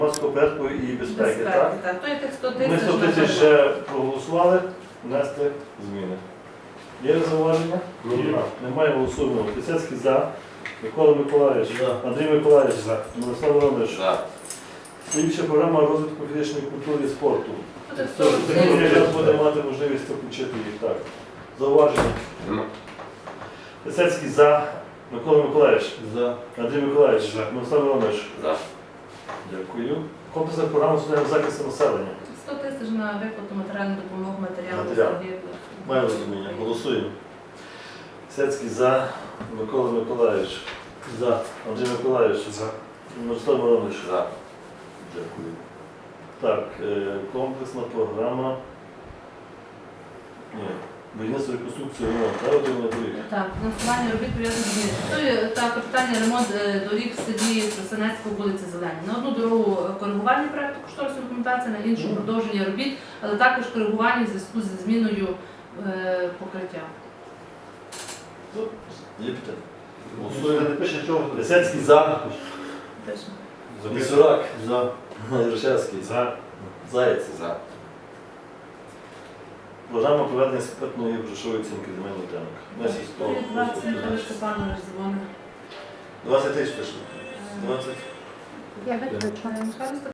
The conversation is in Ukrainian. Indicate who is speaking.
Speaker 1: Громадського порядку і безпеки, так?
Speaker 2: Так, то є тих 100
Speaker 1: Ми
Speaker 2: тисяч.
Speaker 1: 100 тисяч вже проголосували, внести зміни. Є зауваження?
Speaker 3: Ні.
Speaker 1: Немає, голосуємо. Пісецький за. Микола Миколаївич.
Speaker 3: За.
Speaker 1: Андрій Миколаївич.
Speaker 3: За.
Speaker 1: Мирослав Іванович.
Speaker 3: За.
Speaker 1: Слідча програма розвитку фізичної культури і спорту.
Speaker 2: Буде 40
Speaker 1: Сьогодні
Speaker 2: тисяч.
Speaker 1: якраз буде мати можливість включити їх. Так. Зауваження. Пісецький за. Микола Миколаївич.
Speaker 3: За.
Speaker 1: Андрій Миколаївич.
Speaker 3: За.
Speaker 1: Мирослав Іванович.
Speaker 3: За.
Speaker 1: Дякую. Комплексна програма соціального захисту населення.
Speaker 2: 100 тисяч на виплату матеріальну допомогу матеріалу.
Speaker 1: Матеріал. Маю розуміння. Голосуємо. Пісецький за. Микола Миколаївич.
Speaker 3: За.
Speaker 1: Андрій Миколаївич.
Speaker 3: За.
Speaker 1: Мирослав Іванович.
Speaker 3: За.
Speaker 1: Дякую. Так, комплексна програма. Ні. Будівництво реконструкції ремонт. Так, один на доріг.
Speaker 2: Так, фінансування робіт пов'язаних з змінами. То є капітальний ремонт доріг в селі Тростянецького, вулиці Зелені. На одну дорогу коригування проєкту кошторисної документації, на іншу продовження робіт, але також коригування в зв'язку зі зміною покриття.
Speaker 1: Є питання? Голосуємо. Пісецький за.
Speaker 2: Пишемо.
Speaker 1: Місурак.
Speaker 3: За.
Speaker 1: Іршевський.
Speaker 3: За.
Speaker 1: Заєць.
Speaker 3: За.
Speaker 1: Програма проведення спитної грошової оцінки земельних ділянок. На сільського
Speaker 2: 20
Speaker 1: господарства.
Speaker 2: Степанович дзвонив.
Speaker 1: 20 тисяч пішли. 20.
Speaker 4: Я виключаю.